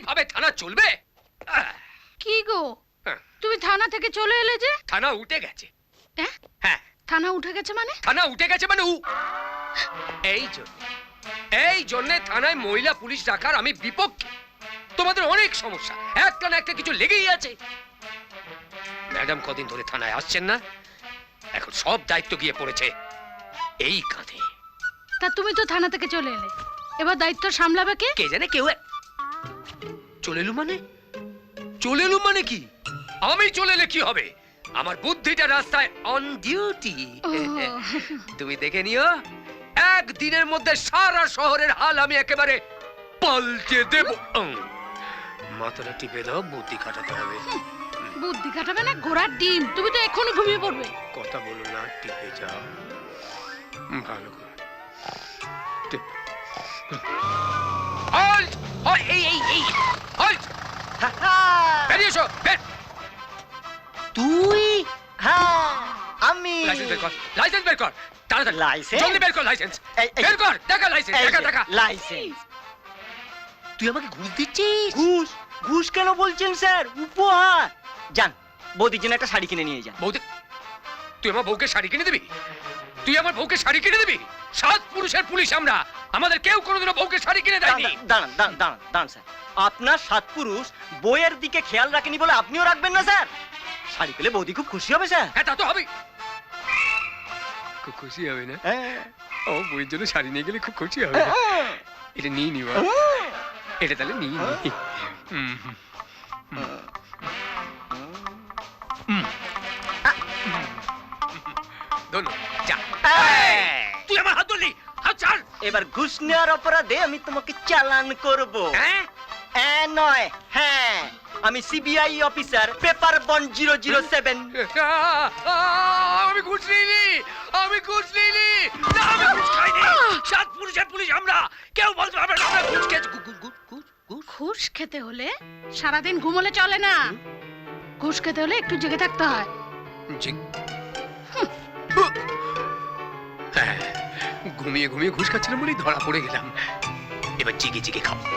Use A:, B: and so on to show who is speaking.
A: এইভাবে থানা চলবে?
B: কি গো, তুমি থানা থেকে চলে এলে যে?
A: থানা উঠে গেছে।
B: হ্যাঁ?
A: হ্যাঁ।
B: থানা উঠে গেছে মানে?
A: থানা উঠে গেছে মানে এই জন্য থানায় মহিলা পুলিশ রাখার আমি বিপক্ষে। তোমাদের অনেক সমস্যা, একটা না একটা কিছু লেগেই আছে। ম্যাডাম কদিন ধরে থানায় আসছেন না, এখন সব দায়িত্ব গিয়ে পড়েছে এই কাঁধে।
B: তা তুমি তো থানা থেকে চলে এলে, এবার দায়িত্ব সামলাবে কে?
A: কে জানে কেউ চলে এলু মানে কি? আমি চলে এলে কি হবে? আমার বুদ্ধিটা রাস্তায় অন ডিউটি। তুমি দেখে নিও, একদিনের মধ্যে সারা শহরের হাল আমি একেবারে পাল্টে দেব। মাথাটা টিপে দাও, বুদ্ধি খাটাতে হবে।
B: বুদ্ধি খাটাবে না ঘোড়ার ডিম, তুমি তো এখনই ঘুমিয়ে পড়বে।
A: কথা বলো না, টিপে যাও ভালো করে। বেরিয়ে এসো।
C: তুই? হ্যাঁ আমি।
A: লাইসেন্স বের কর তাড়াতাড়ি।
C: লাইসেন্স?
A: জলদি বের কর লাইসেন্স।
C: এই,
A: বের কর, দেখা লাইসেন্স, দেখা।
C: লাইসেন্স। তুই আমাকে ঘুষ দিচ্ছিস? ঘুষ কেন বলছেন স্যার? উপহার। যান, বৌদির জন্য একটা শাড়ি কিনে নিয়ে যান।
A: বৌদি, তুই আমার বউকে শাড়ি কিনে দিবি? সাত পুরুষের পুলিশ আমরা, আমাদের কেউ কোনোদিনও বউকে শাড়ি কিনে দেয়নি।
C: দাঁড়ান স্যার, আপনার সাত পুরুষ বইয়ের দিকে খেয়াল রাখেনি বলে আপনিও রাখবেন না স্যার? শাড়ি পেলে বৌদি খুব খুশি হবে স্যার।
A: হ্যাঁ, তা তো হবে। খুব খুশি হবে না? ও বউয়ের জন্য শাড়ি নিয়ে গেলে খুব খুশি হবে। এটা নিয়ে নিবা, এটা তাহলে নিয়ে নি। তুই আমার হাত ধরলি, হাত ছাড়।
C: এবার ঘুষ নেওয়ার অপরাধে আমি তোমাকে চালান করব। নয়, হ্যাঁ, আমি সিবিআই অফিসার, পেপার বন 007।
A: আমি ঘুষ নিইনি, আমি ঘুষ খাইনি। সাত পুরুষের পুলিশ আমরা, কেউ বলতে পারবে না আমরা ঘুষ খেয়েছি।
B: ঘুষ খেতে হলে সারাদিন ঘুমোলে চলে না, ঘুষ খেতে হলে একটু জেগে থাকতে হয়।
A: ঘুমিয়ে ঘুষ খাচ্ছিলাম বলেই ধরা পড়ে গেলাম। এবার জিগে খাও।